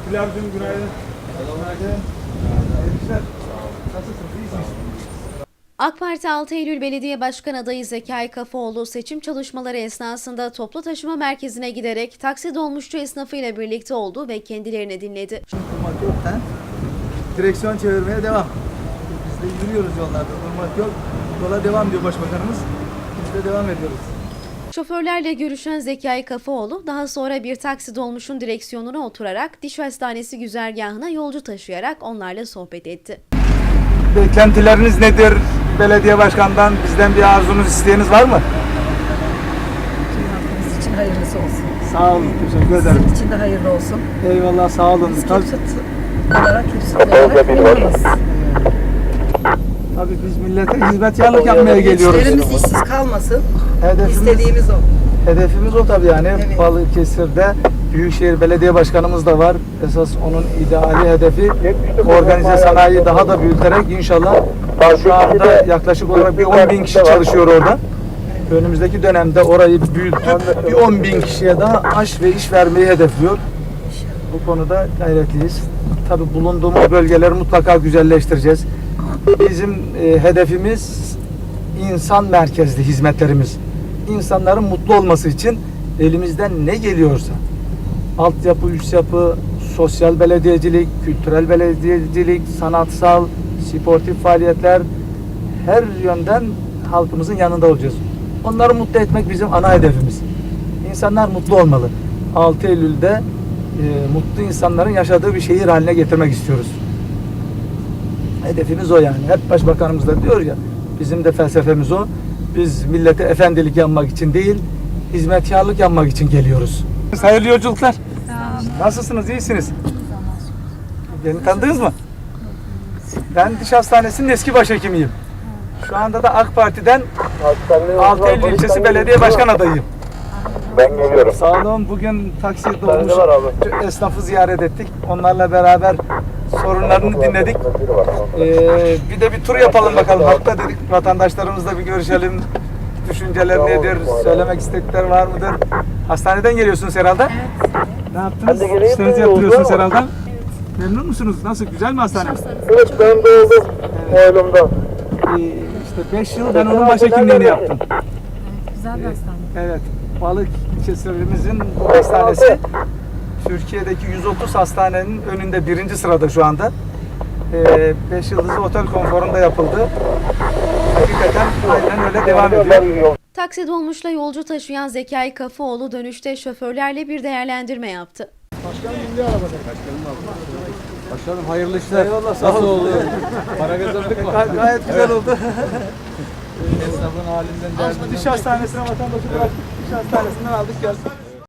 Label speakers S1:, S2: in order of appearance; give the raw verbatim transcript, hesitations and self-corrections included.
S1: Pilavcığım günaydın. Günaydın. Nasılsınız? İyisiniz?
S2: AK Parti altı Eylül Belediye Başkan adayı Zekai Kafaoğlu seçim çalışmaları esnasında toplu taşıma merkezine giderek taksi dolmuşçu esnafıyla birlikte oldu ve kendilerini dinledi.
S3: Durmak yok. He? Direksiyon çevirmeye devam. Biz de yürüyoruz yollarda. Durmak yok. Yola devam diyor Başbakanımız. Biz de devam ediyoruz.
S2: Şoförlerle görüşen Zekai Kafaoğlu daha sonra bir taksi dolmuşun direksiyonuna oturarak diş hastanesi güzergahına yolcu taşıyarak onlarla sohbet etti.
S3: Beklentileriniz nedir? Belediye başkanından bizden bir arzunuz, isteğiniz var mı?
S4: Halkımız için hayırlısı olsun.
S3: Sağ olun. Teşekkür ederim.
S4: Sizin için de hayırlı olsun.
S3: Eyvallah. Sağ olun.
S4: Biz
S3: Tabii,
S4: Kipsut olarak, Kipsut olarak memnunuz.
S3: tabii biz millete hizmetkarlık yapmaya geliyoruz.
S4: Gençlerimiz işsiz kalmasın.
S3: Hedefimiz,
S4: İstediğimiz o.
S3: hedefimiz o tabii yani.
S4: Evet.
S3: Balıkesir'de Büyükşehir Belediye Başkanımız da var. Esas onun ideali hedefi organize sanayiyi daha da büyüterek inşallah şu anda yaklaşık olarak bir on bin kişi çalışıyor orada. Önümüzdeki dönemde orayı büyütüp bir on bin kişiye daha aş ve iş vermeyi hedefliyor. Bu konuda gayretliyiz. Tabii bulunduğumuz bölgeleri mutlaka güzelleştireceğiz. Bizim e, hedefimiz insan merkezli hizmetlerimiz. İnsanların mutlu olması için elimizden ne geliyorsa altyapı, üst yapı, sosyal belediyecilik, kültürel belediyecilik, sanatsal, sportif faaliyetler her yönden halkımızın yanında olacağız. Onları mutlu etmek bizim ana hedefimiz. İnsanlar mutlu olmalı. altı Eylül'de e, mutlu insanların yaşadığı bir şehir haline getirmek istiyoruz. Hedefimiz o yani. Hep Başbakanımız da diyor ya, bizim de felsefemiz o. Biz millete efendilik yapmak için değil, hizmetkarlık yapmak için geliyoruz. Hayırlı yolculuklar. Nasılsınız? İyisiniz? Beni tanıdınız mı? Ben diş hastanesinin eski başhekimiyim. Şu anda da AK Parti'den altı Eylül ilçesi belediye başkan adayıyım.
S5: Ben geliyorum.
S3: Sağ olun. Bugün taksi dolmuş esnafı ziyaret ettik. Onlarla beraber sorunlarını dinledik. Ee, bir de bir tur yapalım bakalım. Halkta dedik, vatandaşlarımızla bir görüşelim. Düşünceler nedir? Söylemek istekler var mıdır? Hastaneden geliyorsunuz herhalde. Evet. Ne yaptınız? İşlerinizi yaptırıyorsunuz herhalde. Evet. Memnun musunuz? Nasıl? Güzel mi hastane?
S5: Evet, ben de oldum oğlumda.
S3: Ee, işte beş yıl ben onun başhekimliğini yaptım.
S4: Güzel bir hastane.
S3: Evet. Balık ilçemizin bu hastanesi Türkiye'deki yüz otuz hastanenin önünde birinci sırada şu anda. beş ee, yıldızlı otel konforunda yapıldı. Hakikaten aynen öyle devam ediyor.
S2: Taksi dolmuşla yolcu taşıyan Zekai Kafaoğlu dönüşte şoförlerle bir değerlendirme yaptı.
S3: Başkanım milli arabada.
S1: Başkanım abi. Başkanım hayırlı işler.
S3: Eyvallah, sağ
S1: Nasıl
S3: olun.
S1: oldu? Para kazandık mı?
S3: Gay- gayet güzel oldu.
S1: Esnafın halinden derdinden.
S3: Diş hastanesine vatandaşı bıraktık. Diş hastanesinden aldık geldik.